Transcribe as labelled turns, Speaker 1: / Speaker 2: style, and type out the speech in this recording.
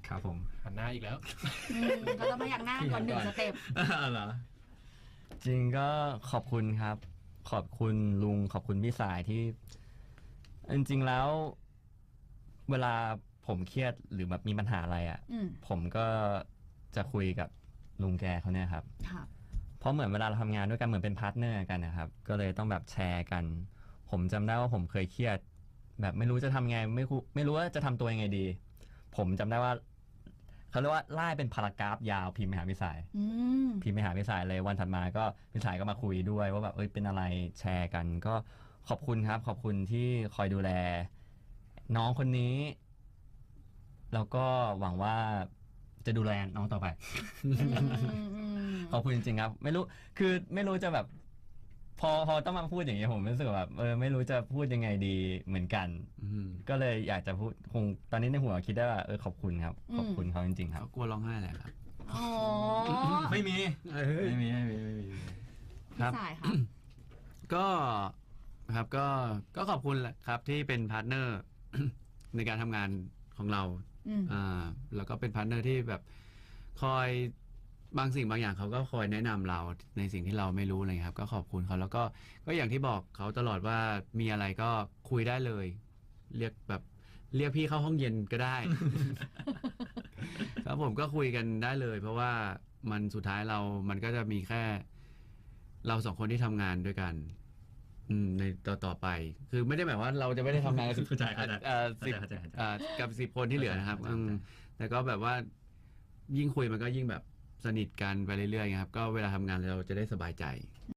Speaker 1: ครับผม
Speaker 2: หันหน้าอีกแล้ว
Speaker 3: ก็ต้องมาอยากหน้าก่อน1 สเต็ป
Speaker 1: เหรอ
Speaker 4: จริงก็ขอบคุณครับขอบคุณลุงขอบคุณพี่สายที่จริงๆแล้วเวลาผมเครียดหรือแบบมีปัญหาอะไรอ่ะผมก็จะคุยกับลุงแกเขาเนี่ยครับเพราะเหมือนเวลาเราทำงานด้วยกันเหมือนเป็นพาร์ทเนอร์กันนะครับก็เลยต้องแบบแชร์กันผมจำได้ว่าผมเคยเครียดแบบไม่รู้จะทำไงไม่รู้ว่าจะทำตัวยังไงดีผมจำได้ว่าเขาเรียกว่าไล่เป็นพารากราฟยาวพิมพ์ไปหาพี่สายพิมพ์ไปหาพี่สายเลยวันถัดมาก็พี่สายก็มาคุยด้วยว่าแบบเป็นอะไรแชร์กันก็ขอบคุณครับขอบคุณที่คอยดูแลน้องคนนี้แล้วก็หวังว่าจะดูแลน้องต่อไปขอบคุณจริงๆครับไม่รู้คือไม่รู้จะแบบพอต้องมาพูดอย่างนี้ผมรู้สึกแบบไม่รู้จะพูดยังไงดีเหมือนกันก็เลยอยากจะพูดคงตอนนี้ในหัวคิดได้ว่าขอบคุณครับขอบคุณเขาจริงๆครับ
Speaker 1: กลัวร้องไห้แหละครับ
Speaker 3: อ๋อ
Speaker 1: ไม่มี
Speaker 3: ครับสายครับ
Speaker 1: ก็ครับก็ขอบคุณแหละครับที่เป็นพาร์ทเนอร์ในการทำงานของเราแล้วก็เป็นพาร์ทเนอร์ที่แบบคอยบางสิ่งบางอย่างเขาก็คอยแนะนำเราในสิ่งที่เราไม่รู้อะไรครับก็ขอบคุณเขาแล้วก็อย่างที่บอกเขาตลอดว่ามีอะไรก็คุยได้เลยเรียกพี่เข้าห้องเย็นก็ได้ ครับผมก็คุยกันได้เลยเพราะว่ามันสุดท้ายมันก็จะมีแค่เรา2 คนที่ทำงานด้วยกันในต่อไปคือไม่ได้หมายว่าเราจะไม่ได้ทำงานกับ10 คนที่เหลือนะครับแต่ก็แบบว่ายิ่งคุยมันก็ยิ่งแบบสนิทกันไปเรื่อยๆครับก็เวลาทำงานเราจะได้สบายใจ